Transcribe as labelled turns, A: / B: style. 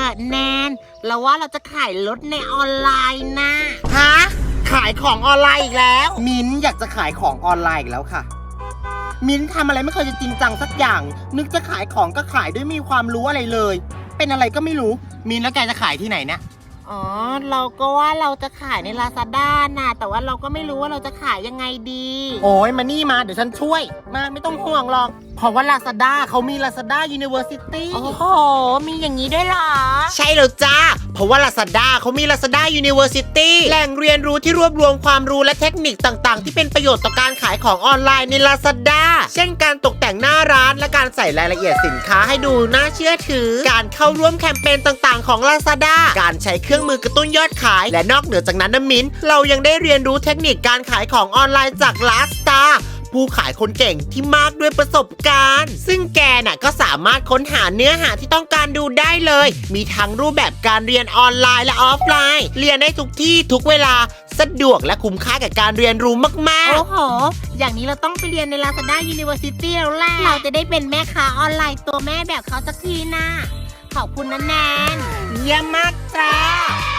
A: แนนเราว่าเราจะขายรถในออนไลน์นะ
B: ฮะขายของออนไลน์อีกแล้วมิ้นอยากจะขายของออนไลน์อีกแล้วค่ะมิ้นทำอะไรไม่เคยจะจริงจังสักอย่างนึกจะขายของก็ขายด้วยมีความรู้อะไรเลยเป็นอะไรก็ไม่รู้มิ้นแล้วแกจะขายที่ไหนเนี่ย
A: อ๋อเราก็ว่าเราจะขายใน Lazada นะแต่ว่าเราก็ไม่รู้ว่าเราจะขายยังไงดี
B: โอ้ยมานี่มาเดี๋ยวฉันช่วยมาไม่ต้องห่วงหรอกเพราะว่า Lazada เขามี Lazada University
A: โอ้โหมีอย่างนี้ด้วยเหรอ
B: ใช่แล้วจ้าเพราะว่า Lazada เขามี Lazada University แหล่งเรียนรู้ที่รวบรวมความรู้และเทคนิคต่างๆที่เป็นประโยชน์ต่อการขายของออนไลน์ใน Lazada เช่นการตกแต่งหน้าร้านและการใส่รายละเอียดสินค้าให้ดูน่าเชื่อถือการเข้าร่วมแคมเปญต่างๆของ Lazada การใช้เครื่องมือกระตุ้นยอดขายและนอกเหนือจากนั้นนะมิ้นเรายังได้เรียนรู้เทคนิคการขายของออนไลน์จาก Lazadaผู้ขายคนเก่งที่มากด้วยประสบการณ์ซึ่งแกน่ะก็สามารถค้นหาเนื้อหาที่ต้องการดูได้เลยมีทั้งรูปแบบการเรียนออนไลน์และออฟไลน์เรียนได้ทุกที่ทุกเวลาสะดวกและคุ้มค่ากับการเรียนรู้มากๆ
A: โอ้โหอย่างนี้เราต้องไปเรียนใน Lazada University แล้วแหละเราจะได้เป็นแม่ค้าออนไลน์ตัวแม่แบบเขาสักทีนะขอบคุณนะแนน
B: เยี่ยมมากจ้า